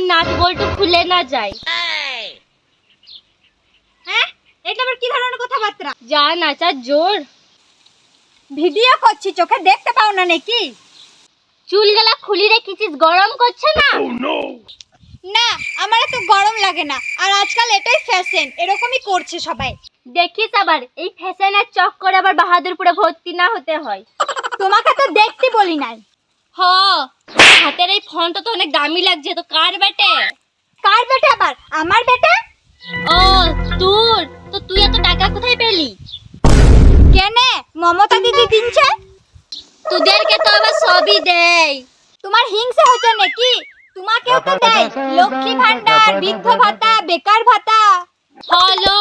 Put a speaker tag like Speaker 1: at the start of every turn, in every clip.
Speaker 1: Nut বল্টু খুলে না যায়।
Speaker 2: হ্যাঁ, এটা আবার কি ধরনের কথাবার্তা?
Speaker 1: যা নাচার জোর।
Speaker 2: ভিডিও করছি, চোখে দেখতে পাও না নাকি?
Speaker 1: চুলগুলা খুলি রেখেছিস, গরম করছে না?
Speaker 2: না, আমার তো গরম লাগে না। আর আজকাল এটাই ফ্যাশন, এরকমই করছে সবাই।
Speaker 1: দেখিস আবার এই ফ্যাশনের চক্করে আবার বাহাদুরপুরে ভর্তি না হতে হয়।
Speaker 2: তোমাকে তো দেখতে বলি নাই।
Speaker 1: হ, হাতের এই ফোনটা তো অনেক দামি লাগছে। তো কার বেটে?
Speaker 2: কার বেটা আবার? আমার বেটা।
Speaker 1: ও তোর? তো তুই এত টাকা কোথায় পেলি?
Speaker 2: কেনে মমতা দিদি দিনছে।
Speaker 1: তোদেরকে তো আবার সবই দেয়।
Speaker 2: তোমার হিংসা হচ্ছে নাকি? তোমাকেও তো দেয় লক্ষ্মী ভান্ডার, বৃদ্ধ ভাতা, বেকার ভাতা।
Speaker 1: হলো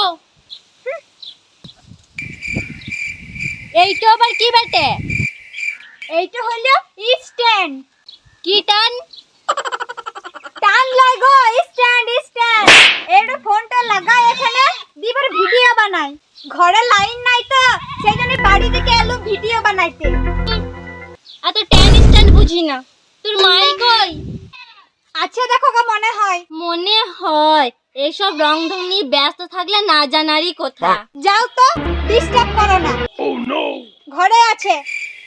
Speaker 1: এইটা আবার কি বেটে?
Speaker 2: এইটা হলো স্ট্যান্ড।
Speaker 1: কি টান?
Speaker 2: টান লাগো, স্ট্যান্ড স্ট্যান্ড। এটা ফোনটা লাগাই এখানে, দিবার ভিডিও বানাই। ঘরে লাইন নাই তো সেই জন্য বাড়ি থেকে এলো ভিডিও বানাইতে।
Speaker 1: এত টেন স্ট্যান্ড বুঝি না। তোর মাই কই?
Speaker 2: আচ্ছা দেখো গো, মনে হয়।
Speaker 1: মনে হয় এসব রং ঢং নিয়ে ব্যস্ত থাকলে না জানারই কথা।
Speaker 2: যাও তো, ডিস্টার্ব করো না। ঘরে আছে।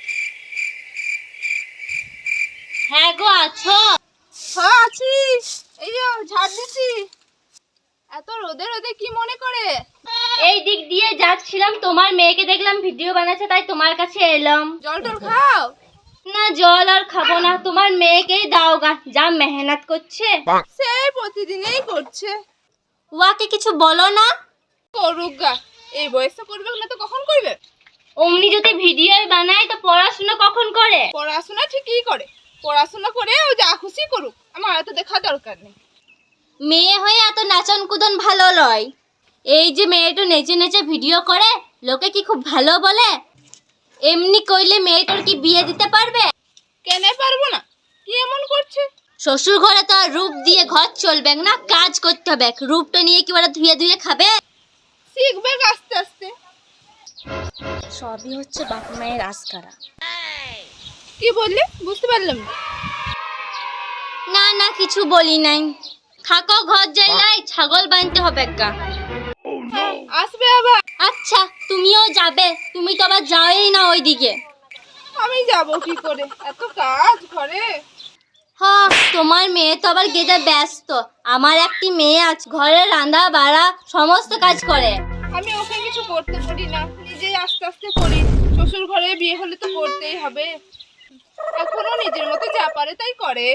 Speaker 1: হ্যাঁ গো, আছো?
Speaker 3: হ্যাঁ আছি, এই যে ঝাড় দিচ্ছি। এত রোদে রোদে কি মনে করে?
Speaker 1: এই দিক দিয়ে যাচ্ছিলাম, তোমার মেয়েকে দেখলাম ভিডিও বানাচ্ছে, তাই তোমার কাছে এলাম।
Speaker 3: জল টল খাও।
Speaker 1: না, জল আর খাবো না, তোমার মেয়েকেই দাও গা, যা মেহনত করছে।
Speaker 3: সেই প্রতিদিনই করছে।
Speaker 1: ওয়াকে কিছু বলো না।
Speaker 3: করুক গা, এই বয়সে করবে না তো কখন করবে?
Speaker 1: অমনি যদি ভিডিও বানায় তো পড়াশোনা কখন করে?
Speaker 3: পড়াশোনা ঠিকই করে, পড়াশোনা করে ও যা খুশি করুক, আমার এত দেখা দরকার নেই।
Speaker 1: মেয়ে হয়ে এত নাচন কুদন ভালো লয়। এই যে মেয়েটা নেচে নেচে ভিডিও করে, লোকে কি খুব ভালো বলে? এমনি কইলে মেয়েটার কি বিয়ে দিতে পারবে?
Speaker 3: কেনে পারবো না? কি এমন করছে?
Speaker 1: শ্বশুর ঘরে তো আর রূপ দিয়ে ঘর চলবে না, কাজ করতে হবে। রূপটা নিয়ে কি ওরা ধুয়ে ধুয়ে খাবে?
Speaker 3: শিখবে আস্তে আস্তে।
Speaker 1: সবই হচ্ছে বাপ মায়ের আস্কারা।
Speaker 3: কি বললে বুঝতে পারলাম না।
Speaker 1: না না, কিছু বলি নাই। থাকো, ঘর যাইলাই, ছাগল বানতে হবে গা।
Speaker 3: আসবে আবার।
Speaker 1: আচ্ছা, তুমিও যাবে? তুমি তো আবার যাওই না ওইদিকে।
Speaker 3: আমি যাব কি করে, এত কাজ ঘরে।
Speaker 1: হ্যাঁ, তোমার মেয়ে তো আবার গেদে ব্যস্ত। আমার একটি মেয়ে আছে, ঘরে রান্না বাড়া সমস্ত কাজ করে।
Speaker 3: আমি ওকে কিছু করতে পারি না, নিজেই আস্তে আস্তে করি। শ্বশুর ঘরে বিয়ে হলে তো করতেই হবে। এখনো নিজের মতো যা পারে তাই করে।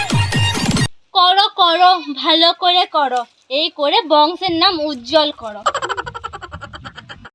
Speaker 1: করো করো, ভালো করে করো। এই করে বংশের নাম উজ্জ্বল করো।